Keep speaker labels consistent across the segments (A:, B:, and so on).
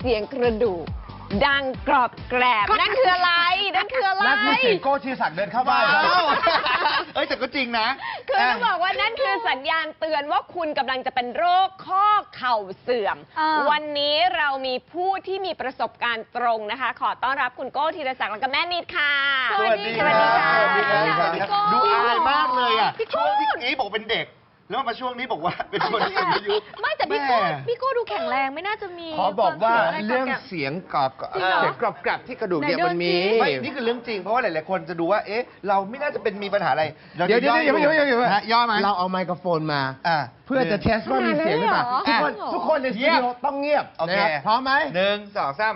A: เสียงกระดูกดังกรอบแกรบนั่นคืออะไรนั่นคืออะไร
B: นั่นคือเสียงโก้ชีศักดิ์เดินเข้าบ้านครับ
C: เอ้ยแต่ก็จริงนะ
A: คือต้องบอกว่านั่นคือสัญญาณเตือนว่าคุณกำลังจะเป็นโรคข้อเข่าเสื่อม วันนี้เรามีผู้ที่มีประสบการณ์ตรงนะคะ ขอต้อนรับคุณโก้ธีรศักดิ์และก็แม่นิดค่ะ
C: สวัสดีค่ะ
A: สวัสดีค่ะ
C: พี่โก้ดูอายมากเลยอ่ะช่วงที่นี้บอกเป็นเด็ก แล้วมาช่วงนี้บอกว่าเป็นคนสูงอายุ
D: ไม่แต่พี่โก้ดูแข็งแรงไม่น่าจะมี
B: ขอบอกว่า
D: ควม
B: เรื่อง
D: สี่ย
B: เสียงกรอบแกรบที่กระดูกเนี่ย
D: ไหนเดิน
B: มันมี
D: สิ
C: ไม่นี่คือเรื่องจริงเพราะว่าหลายๆคนจะดูว่าเอ๊ะเราไม่น่าจะเป็นมีปัญหาอะไรรา
B: เดี๋ยว
C: จะ
B: เดี๋ยวเดี๋ยวเดี๋ยว
C: ฮะย่อไหม
B: เราเอาไมโครโฟนมา
C: อ่ะ
B: เพื่อจะเทสว่ามีเสียงหรือเปล่า
D: ขนาดนั้นเลยเหรอ
B: ทุกคนในสตูดิโอต้องเงียบ
C: โอเค
B: นะครับพร้อมไหม
C: 1 2 3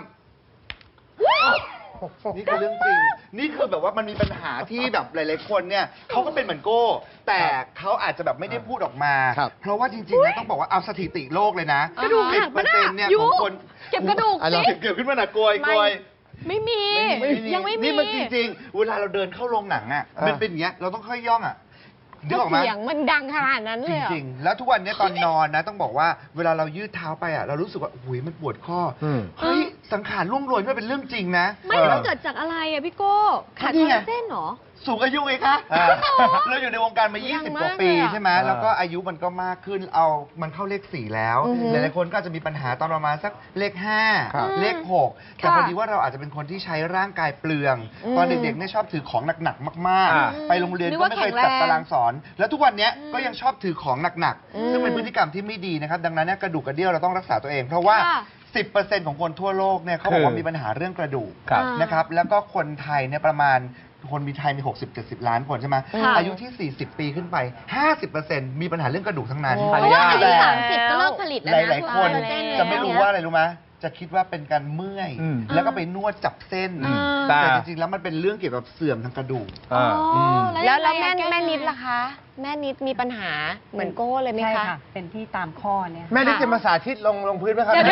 C: นี่คือเรื่องจริง นี่คือแบบว่ามันมีปัญหาที่แบบหลายๆคนเนี่ยเขาก็เป็นเหมือนโก้ แต่เขาอาจจะแบบไม่ได้พูดออกมา เพราะว่าจริงๆนะต้องบอกว่าเอาสถิติโลกเลยนะ
D: กระดูกหักปะน่ะ
C: 10%เนี่ย
D: ยุ
C: ของคน
D: เก็บกระดูก
B: อ่ะเรา
D: สิ
C: เกือบขึ้นมาหนักกลวย
D: ไม่มี ยังไม่มี
C: นี่มันจริงๆ เวลาเราเดินเข้าโรงหนังอ่ะ มันเป็นอย่างเงี้ย เราต้องค่อยย่องอ่ะนึกออกไหม
A: เสียงมันดังขนาดนั้น
C: จ
A: เลยเหรอ
C: ริงๆ แล้วทุกวันนี้ตอนนอนนะ ต้องบอกว่าเวลาเรายืดเท้าไปอ่ะ เรารู้สึกว่าอุ้ยมันปวดข้ออ
B: ม
C: เฮ้ย สังขารล่วงโรยนี่มันเป็นเรื่องจริงนะ
D: ไม่แล้วเกิดจากอะไรอะพี่โก้ขาด
C: นี่
D: คอล
C: ไง
D: ลาเจนเหรอ
C: สูงอายุไงคะ เราอยู่ในวงการมา
A: ยัง
C: 20 ก
A: มา
C: ว่าก ปี
A: เลยอะ
C: ใช่ไหมแล้วก็อายุมันก็มากขึ้น มันเข้าเลข 4 แล้ว
A: อือฮึ
C: หลายๆคนก็อาจจะมีปัญหาตอนประมาณสักเลข
B: ครับ
C: 5 เลข 6 แต่พอดีว่าเราอาจจะเป็นคนที่ใช้ร่างกายเปลือง ตอนเด็กๆเนี่ยชอบถือของหนักๆ มาก
B: อ่า
C: ๆ ไปโรงเรียน
D: นึก
C: ก็
D: ว่า
C: ไม่เคย
D: แข็งแรง
C: จัดตารางสอน แล้วทุกวันเนี้ยก็ยังชอบถือของหนัก
A: อืม
C: ๆ ซึ่งเป็นพฤติกรรมที่ไม่ดีนะครับ ดังนั้นเนี่ยกระดูกกระเดี่ยวเราต้องรักษาตัวเอง เพราะว่า
D: ค่ะ
C: 10% ของคนทั่วโลกเนี่ยเขาบอกว่ามีปัญหาเรื่องกระดูก
B: ครับ
C: นะครับ แล้วก็คนไทยเนี่ยประมาณคนมีไทยมี 60-70 ล้านคนใช่ไหม
D: ค่ะ
C: อายุที่ 40 ปีขึ้นไป 50% มีปัญหาเรื่องกระดูกทั้งนั้น
A: โอ้
D: เพราะว่าอายุ
C: แต่
D: 30ก็เลิกผลิตแล้ว
C: ห
D: นะ
C: ลาย ๆ คน
D: คอลลาเจน
C: จะไม่รู้ว่าอะไรรู้ไหมจะคิดว่าเป็นการเมื่อย
B: อืม
C: แล้วก็ไปนวดจับเส้น
D: อืม
C: แต่จริง ๆ แล้วมันเป็นเรื่องเกี่ยวกับเสื่อมทางกระดูก
D: อ๋อ
A: แล้ว
D: ยังไง
A: แม่
D: อะ
A: นิดล่ะคะ แม่นิดมีปัญหาเหมือนโก้เลยไหม
E: ใช่
A: คะ
E: ค่ะ เป็นที่ตามข้อเนี่ย
B: แม่นิดจะมาสาธิตลงพื้นไหมครับ
D: เดี๋ยว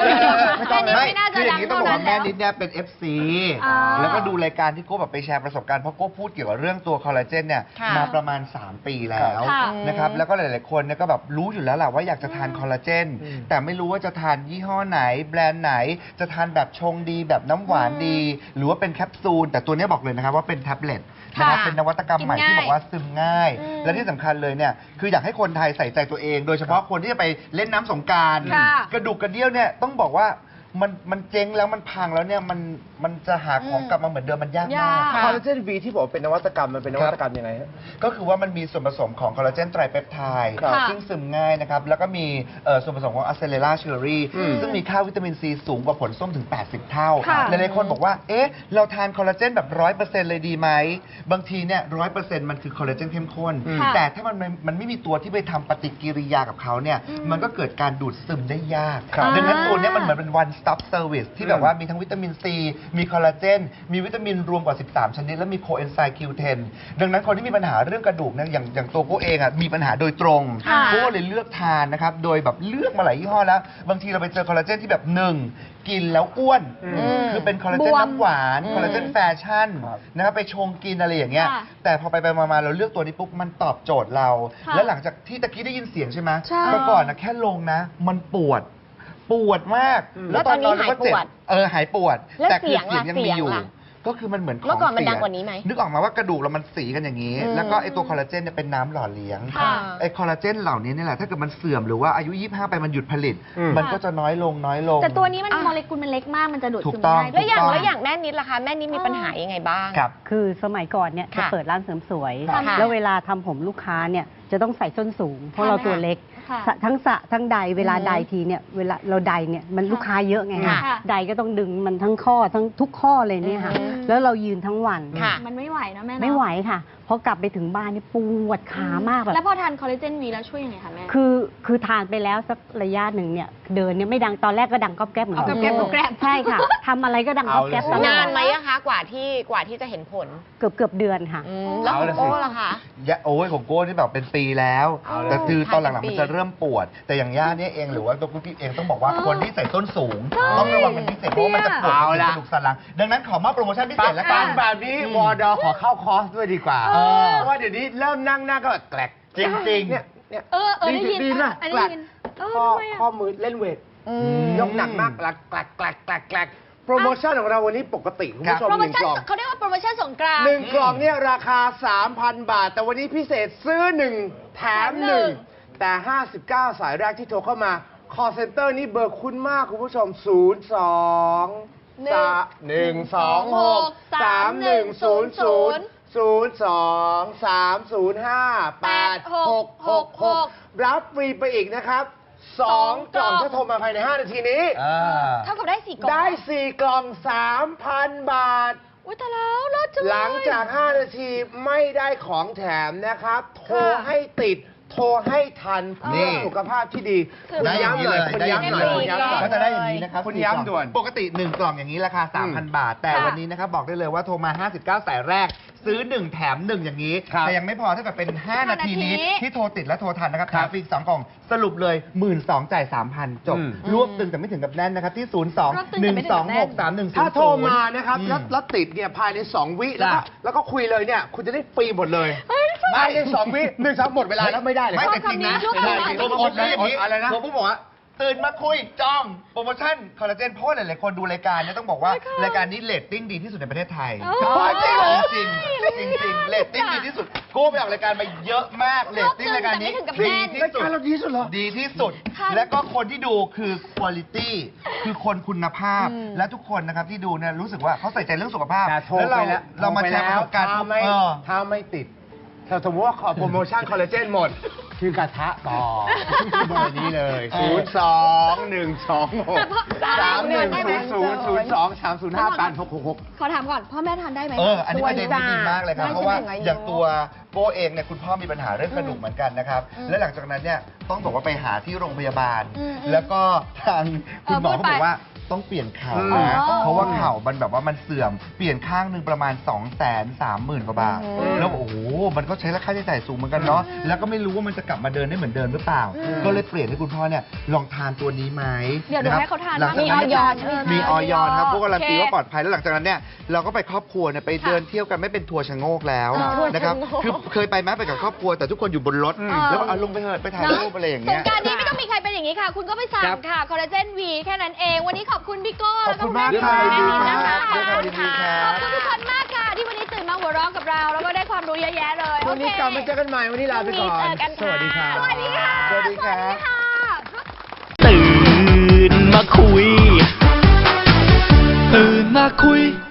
B: ไม่ต้อง
D: แม่นิด
B: นะ
C: คืออย่างนี้ต้องบอกว่าแม่นิดเนี่ยเป็น FC
D: อ๋อ
C: แล้วก็ดูรายการที่โก้แบบไปแชร์ประสบการณ์เพราะโก้พูดเกี่ยวกับเรื่องตัวคอลลาเจนเนี่ย
A: ค่ะ
C: มาประมาณ 3 ปีแล้ว
D: ค่ะ
C: นะครับแล้วก็หลาย ๆ คนเนี่ยก็แบบรู้อยู่แล้วแหละว่าอยากจะทานคอลลาเจน แต่ไม่รู้ว่าจะทานยี่ห้อไหน แบรนด์ไหน จะทานแบบชงดีแบบน้ำหวานดี หรือว่าเป็นแคปซูลแต่ตัวเนี้ยบอกเลยนะครับว่าเป็นแท็บเล็ตนะครับ
D: ค่ะ
C: เป็นนวัตกรรมใหม่
D: กินง่าย
C: ที่บอกว่าซึมง่าย
D: อืม
C: และที่สำคัญเลยเนี่ยคืออยากให้คนไทยใส่ใจตัวเอง โดยเฉพาะคนที่จะไปเล่นน้ำสงกรานต์
D: ค่ะ
C: กระดูกกระเดี่ยวเนี่ยต้องบอกว่ามันเจ๊งแล้วมันพังแล้วเนี่ยมันจะหาของกลับมาเหมือนเดิมมันยากมาก
D: ยาก
B: คอลลาเจนวีที่บอกว่าเป็นนวัตกรรมมันเป็นนวัตกรรมยังไงฮะ
C: ก็คือว่ามันมีส่วนผสมของคอลลาเจนไตรเปปไทด์
B: ครับ
C: ซึ่งซึมง่ายนะครับ แล้วก็มีส่วนผสมของอะเซเลล่าเชอรี่
B: อืม
C: ซึ่งมีค่าวิตามินซีสูงกว่าผลส้มถึง 80 เท่า
D: ค่ะ
C: หลายๆคนบอกว่า เอ๊ะ เราทานคอลลาเจนแบบ 100% เลยดีไหม บางทีเนี่ย 100% มันคือคอลลาเจนเข้มข้น
D: ค่ะ
C: แต่ถ้ามันไม่มีตัวที่ไปทำปฏิกิริยากับเขาเนี่ย มันก็เกิดการดูดซึมได้ยาก
B: ครับ
C: ดังนั้นตัวเนี้ยมันเหมือนเป็น one stop service ที่แบบว่ามีทั้งวิตามินซี มีคอลลาเจน มีวิตามินรวมกว่า 13 ชนิด และมีโคเอนไซม์ Q10 ดังนั้นคนที่มีปัญหาเรื่องกระดูกเนี่ยอย่างตัวโก้เองอ่ะมีปัญหาโดยตรง
D: ค่ะ
C: โก้เลยเลือกทานนะครับ โดยแบบเลือกมาหลายยี่ห้อแล้ว บางทีเราไปเจอคอลลาเจนที่แบบหนึ่งกินแล้วอ้วน คือเป็นคอลลาเจน
D: บวม
C: น้ำหวาน คอลลาเจนแฟชั่น
B: ครับ
C: นะครับไปชงกินอะไรอย่างเงี้ย
D: ค่ะ
C: แต่พอไปมาเราเลือกตัวนี้ปุ๊บมันตอบโจทย์เรา
D: ค่ะ
C: แล้วหลังจากที่ตะกี้ได้ยินเสียงใช่ไหม
D: ใช่
C: เมื่อก่อนนะแค่ลงนะ มันปวดมาก
A: แล้วตอนนี้หายปวด
C: หายปวด
A: แล้ว
C: แต่คือ
A: เสียงล่ะ
C: ยังมีอยู่
A: เสียงล่ะ
C: ก็คือมันเหมือนของ
A: เมื่อก่อนมัน
C: สีย
A: ดังกว่านี้ไหม
C: นึกออกมาว่ากระดูกเรามันสีกันอย่างนี้
A: อืม
C: แล้วก็ไอตัวคอลลาเจนเนี่ยเป็นน้ำหล่อเลี้ยง
D: ค่ะ
C: ไอคอลลาเจนเหล่านี้เนี่ยแหละถ้าเกิดมันเสื่อมหรือว่าอายุ 25 ไปมันหยุดผลิต
B: อืม
C: มันก็จะน้อยลง
D: แต่ตัวนี้มันโมเลกุลมันเล็กมากมันจะดูด
C: ถู
D: ซึ
C: ก
D: ม
C: ต้อง
D: ง่าย
A: แล้วอย่าง
C: ถูกต้อง
A: แล้วอย่างแม่นิดล่ะคะ แม่นิดมีปัญหายังไงบ้าง
C: ครับ
E: คือสมัยก่อนเนี่ยจะ
A: ค่ะ
E: เปิดร้านเสริมสวย
A: ค่ะ
E: แล้วเวลาทำผมลูกค้าเนี่ยจะต้องใส่ส้นสูง เพราะเราตัวเล็ก
D: ค่ะ
E: ทั้งใดเวลาใดทีเนี่ยเวลาเราใดเนี่ยมันลูกค้าเยอะไง
A: ค่ะ
E: คะใดก็ต้องดึงมันทั้งข้อทั้งทุกข้อเลยเนี่ยค่ะ
A: อืม
E: แล้วเรายืนทั้งวัน
A: ค่ะ
D: มันไม่ไหวนะแม่เนอะ
E: ไม่ไหวค่ะพอกลับไปถึงบ้านนี่ปวดขามากแบบ
D: แล้วพอทานคอลลาเจนวีแล้วช่วยยังไงคะแม่
E: คือทานไปแล้วสักระยะหนึ่งเนี่ยเดินเนี่ยไม่ดังตอนแรกก็ดังก๊อบแก๊บเหมือน
D: เอา
E: กัน
D: ก๊อบแก๊บ
E: ใช่ค่ะทำอะไรก็ดังก๊อบแก๊บตลอด
A: นานไหมอะคะ กว่าที่จะเห็นผล
E: เกือบเดือนค่ะ
A: แล้วของโก้ล่ะคะ
C: โอ้ยของโก้นี่แบบเป็นปีแล้ว
A: เอาเลย
C: แต่คือตอนหลัง
A: ทานเป็น
C: ๆ
A: ปี
C: มันจะเริ่มปวด แต่อย่างย่าเนี่ยเองหรือว่าตัวกุ๊กกิ๊บเองต้องบอกว่าคนที่ใส่ส้นสูง ต้องระวังเป็นพิเศษเพราะว่ามันจะปวด
B: เอา
C: ถึง
B: ละ
C: กระดูกสันหลัง ดังนั้นขอมอบโปรโมชั่นพิเศษแล้วกั
B: ฟั
C: น
B: งแบบนี้วอดอขอเข้าคอร์สด้วยดีกว่า
C: เออ
B: เพราะว่าเดี๋ยวนี้เริ่มนั่งหน้าก็แกลก
C: จริงๆ
B: เนี่ย
D: ได้ยิน
B: ดีนะ
D: อัน
B: แกล
D: นี้
B: ก
D: ยิน
B: ข้อ
D: ทำไมอะ
B: ข้อมือเล่นเวทยกหนักมากแกลกแกลกแกลกแกลกแกลกโปรโมชั่นของเราวันนี้ปกติคุณผู้ชม
D: โปร
B: ห
D: โม
B: นึ่ง
D: ชั่น
B: กล่อง
D: เขาเรียกว่าโปรโมชั่นสงกรานต์
B: หนึ่งกล่องเนี่ยราคา 3,000 บาท แต่วันนี้พิเศษซื้อ 1 แถม 1 แต่ 59 สายแรกที่โทรเข้ามา call center นี่เบอร์คุ้นมากคุณผู้ชม รับฟรีไปอีกนะครับ 2 กล่องถ้าโทรมาภายใน 5 นาทีนี้
D: เท่ากับได้4กล่อง
B: ได้ 4 กล่อง 3,000 บาท
D: อุ้ยแต่แล้วเลิศจังเลย
B: หลังจาก 5 นาทีไม่ได้ของแถมนะครับ โทรให้ติด โทรให้ทันเพื่
C: นี่
B: อสุขภาพที่ดี
D: คือ
B: คุณ
C: ได้อย่าง
B: ย้ำ
C: นี้
B: หน่
C: เล
B: อย
C: ย
B: คุณ
C: ได้อย่าง
B: ย้ำ
C: นี้
B: หน่
C: เล
B: อย
C: ย
B: คุณย้ำหน่อย
C: ก็จะได้อย่างนี้นะครับ
B: คุณ
C: 4
B: ย้ำด่วน
C: ปกติ 1 กล่องอย่างนี้ราคา 3,000 บาท แต่
D: ค่ะ
C: วันนี้นะครับบอกได้เลยว่าโทรมา 59 สายแรก ซื้อ 1 แถม 1 อย่างนี้
B: ครับ
C: แต่ยังไม่พอถ้าเกิดเป็น 5 นาทีนี้
D: นาที
C: ที่โทรติดและโทรทันนะครับ
B: ค
C: แถ
B: รับ
C: มฟรีอีก2 กล่อง สรุปเลย 12,000 จ่าย 3,000 จบ รวบตึงแต่ไม่ถึงกับแน่นนะครับ ที่ 02-126-3100
B: ถ้าโทรมานะครับแล้วติดเนี่ยภายใน 2 วิแล้วก็คุยเลยเนี่ย คุณจะได้ฟรีหมดเลยภายใน 2 วิ1 2หมดเวลาแล้วไม่ได้เลย
C: ไม่แต่จริงนะ
D: ชอบคำนี้
C: ไม่ได้จริง
D: ชอบ
C: โปรโม
D: คำนี้
C: ชั่นอย่างนี้
B: อะไรนะ
C: ผมบอกว่าตื่นมาคุยจองโปรโมชั่นคอลลาเจนเพราะว่าหลายๆคนดูรายการเนี่ยต้องบอกว่ารายการนี้เรตติ้งดีที่สุดในประเทศไทย
B: จริงเหรอ
C: จริงจริงจริงเรตติ้งดีที่สุดกูไปออกรายการมาเยอะมากเรตติ้งรายการนี้
D: แต่ไม่ถึงกับ
C: ดี
D: แน่น
C: ที่
B: ราย
C: สุด
B: การเราดีที่สุดเหรอ
C: ดีที่สุด และก็คนที่ดูคือคุณภาพคือคนคุณภาพ และทุกคนนะครับที่ดูเนี่ยรู้สึกว่าเขาใส่ใจเรื่องสุขภาพ
B: แต่โทร
C: แล้ว
B: ไปแล้ว
C: เรามาแชร์ประสบการณ์
B: ถ้าไม่ติดถ้าสมมติว่าขอโปรโมชั่นคอลลาเจนหมด คือกระทะต่อเบอร์นี้เลย
D: ขอถามก่อน พ่อแม่ทานได้ไหม
C: อันนี้ประเด็นที่ดีมากเลยครับ
D: ได้
C: เพราะว่า
D: ใช่ไหม
C: อย่างตัวโก้เองเนี่ยคุณพ่อมีปัญหาเรื่องกระดูกเหมือนกันนะครับ และหลังจากนั้นเนี่ยต้องบอกว่าไปหาที่โรงพยาบาล แล้วก็ทางคุณหมอเขาบอกว่าต้องเปลี่ยนเข่านะเพราะว่าเข่ามันแบบว่ามันเสื่อมเปลี่ยนข้างหนึ่งประมาณ 230,000 กว่าบาทแล้วโอ้โหมันก็ใช้ราคาใช้จ่ายสูงเหมือนกันเนาะแล้วก็ไม่รู้ว่ามันจะกลับมาเดินได้เหมือนเดิมหรือเปล่า ก็เลยเปลี่ยนให้คุณพ่อเนี่ยลองทานตัวนี้ไหม
D: เดี๋ยวหนูให้เขาทาน
C: หลังจาก
D: มีออยใช่ไหมคะ
C: มีออยครับพวกการันตี
D: โอเค
C: ว่าปลอดภัยแล้วหลังจากนั้นเนี่ยเราก็ไปครอบครัวเนี่ยไปเดินเที่ยวกันไม่เป็นทัวร์ชะโงกแล้วนะครับคือเคยไปไหมไปกับครอบครัวแต่ทุกคนอยู่บนรถแล้วเอาลงไปเถอะไปถ่ายรูปอะไรอย่าง
D: ส
C: เงี้
D: ง
C: ย
D: กรารนี้ไม่ต้องมีใครเป็นอย่างนี้ค่ะ คุณก็ไปสั่งค่ะ คอลลาเจนวีแค่นั้นเอง วันนี้ขอบคุณพี่โก้
C: ขอบคุณมาก
D: แล้ว
C: ค่ะ
D: แม่นิดนะคะ
C: ด้วยความยินดีครับ
D: ขอบคุณทุกคนมากค่ะ ที่วันนี้ตื่นมาหัวเราะกับเรา แล้วก็ได้ความรู้เยอะแยะเลย
B: วันนี้กลับมาเจอกันใหม่ วันนี้ลาไปก่อน
A: พรุ่งนี้เจอกันค่ะ
B: สวัสดีครับ
D: สวัสดีค่ะ
C: สวัสดีครับ
D: ค่ะ
F: ตื่นมาคุย ตื่นมาคุย